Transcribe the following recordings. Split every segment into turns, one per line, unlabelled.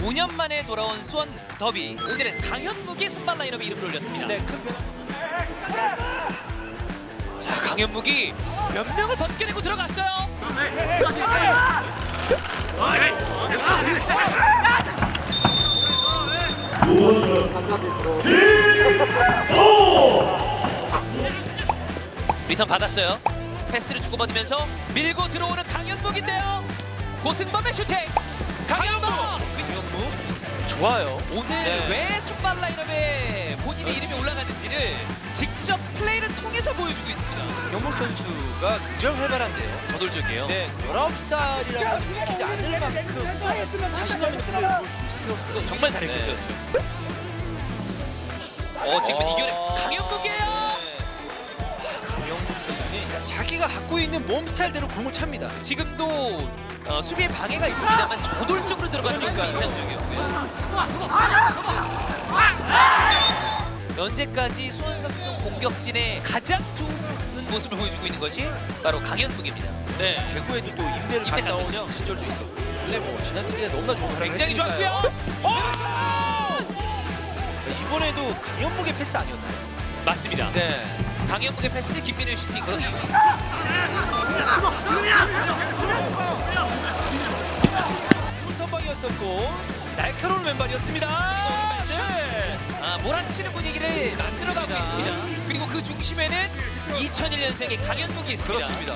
5년 만에 돌아온 수원 더비. 오늘은 강현묵이 선발 라인업에 이름을 올렸습니다.
네, 큰 변.
자, 강현묵이 몇 명을 벗겨내고 들어갔어요. 리턴 받았어요. 패스를 주고받으면서 밀고 들어오는 강현묵인데요. 고승범의 슈팅. 강현묵.
좋아요.
오늘
네.
왜 선발 라인업에 본인의 이름이 올라가는지를 직접 플레이를 통해서 보여주고 있습니다.
강현묵 선수가 굉장히 활발한데요.
저돌적이에요.
네, 19살이라고 믿기지 않을 만큼 자신감 있는 플레이를 보여주고 있어요.
정말 잘했죠.
네.
지금 이겨내 강현묵이에요.
강현묵 선수는 자기가 갖고 있는 몸 스타일대로 공을 찹니다.
지금도 수비에 방해가 있습니다만 저돌적으로 들어가는 모습이 인상적이었고요. 현재까지 수원 삼성 공격진의 가장 좋은 모습을 보여주고 있는 것이 바로 강현묵입니다. 네,
대구에도 또 임대를
임대
갔다 온
갔었죠.
시절도 있었고, 원래 뭐 지난 시즌에 너무나 좋은 활약을
굉장히
했으니까요.
좋았고요.
이번에도 강현묵의 패스 아니었나요?
맞습니다.
네.
강현묵의 패스, 김민우의 슈팅.
좋은 선방이었었고 날카로운 왼발이었습니다. 네.
몰아치는 분위기를 만들어가고
맞습니다.
있습니다. 그리고 그 중심에는 2001년생의 강현묵이 있습니다.
그렇습니다.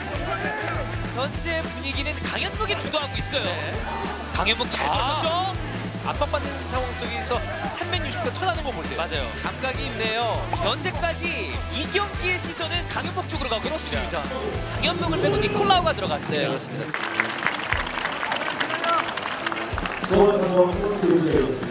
현재 분위기는 강현묵이 주도하고 있어요.
네.
강현묵 잘 벌었죠?
압박받는 상황 속에서 360도 턴하는 거 보세요.
맞아요.
감각이 있네요.
현재까지 이 경기의 시선은 강현묵 쪽으로 가고
그렇습니다.
있습니다. 강현묵을 빼고 니콜라우가 들어갔습니다.
네, 그렇습니다.
수원 삼성 선수를 제외했습니다.